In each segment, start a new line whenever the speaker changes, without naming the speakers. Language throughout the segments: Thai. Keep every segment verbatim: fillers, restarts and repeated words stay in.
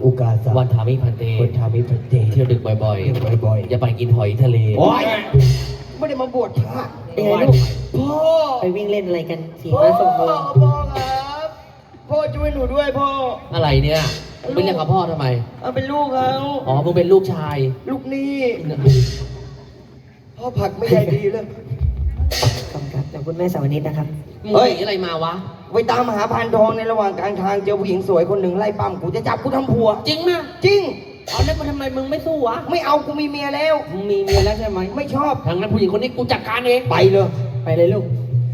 อุกาสะ
วันทามิพันเต
คนทามิพันเต
เที่ยวดึกบ่อย
บ่อยๆ
อย่าไปกินหอยทะเล
โอ๊ยไม่ได้มาบวชพระ
เป็นไงลูก
พ่อ
ไปวิ่งเล่นอะไรกันขี่
พ่อ
ม้าส่งมือ
พ่อครับพ่อช่วยหนูด้วยพ่อ
อะไรเนี่ยไปเรียกกับพ่อทำไม
เอาเป็นลูกเขา
อ๋อมึงเป็นลูกชาย
ลูกนี่พ่อผักไม่ใหญ่ดีเลย
ขอบคุณครับจากคุณแม่สาวนิดนะครับ
มึง
เฮ้ย
หนีอะไรมาวะ
ไปตามหาพานทองในระหว่างกลางทางเจอผู้หญิงสวยคนหนึ่งไล่ปั้มกูจะจับกูทำผัว
จริงมะ
จริง
เอาแล้วมันทำไมมึงไม่สู้วะ
ไม่เอากูมีเมียแล้ว
มึงมีเมียแล้วใช่ไหม
ไม่ชอบ
ทางนั้นผู้หญิงคนนี้กูจัดการเอง
ไปเลย
ไปเลยลูก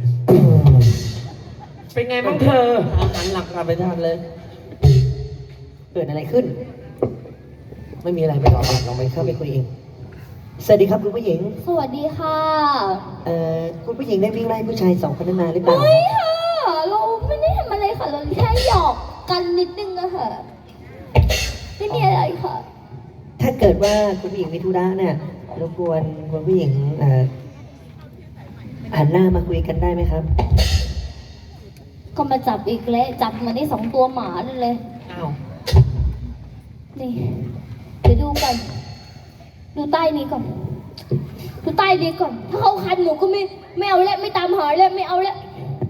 เป็นไงบ้างเธอหันหลังกลับไปทานเลย
เกิดอะไรขึ้น
ไม่มีอะไรไป
ไป
ต่อ
ต่อลองไปเข้าไปคุยเองสวัสดีครับคุณผู้หญิง
สวัสดีค่ะ
เอ่อคุณผู้หญิงได้วิ่งไล่ผู้ชายสองคนนั้นมาหรือเปล่า
ไม่ค่ะ เราไม่ได้ทำอะไรค่ะ เราแค่หยอกกันนิดนึงอะค่ะ ไม่มีอะไรค่ะ
ถ้าเกิดว่าคุณผู้หญิงมีธุระเนี่ยรบกวนคุณผู้หญิงเอ่อหันหน้ามาคุยกันได้ไหมครับ
ก็มาจับอีกแล้วจับมาได้สองตัวหมานั่นเลย
อ้าว
นี่ เดี๋ยวดูก่อน ดูใต้นี้ก่อน ดูใต้นี้ก่อน ถ้าเขาคันหนูก็ไม่ไม่เอาแล้วไม่ตามหาแล้วไม่เอาแล้ว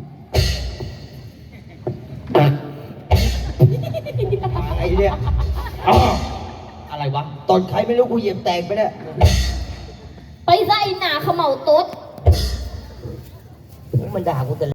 ไอ้เนี่ยอ้อ
อะไรวะ
ตอนใครไม่รู้กูเหยียบแตกไปเนี่ย
ไปไส้หนาเขม่าต๊ด
มันด่ากูแต่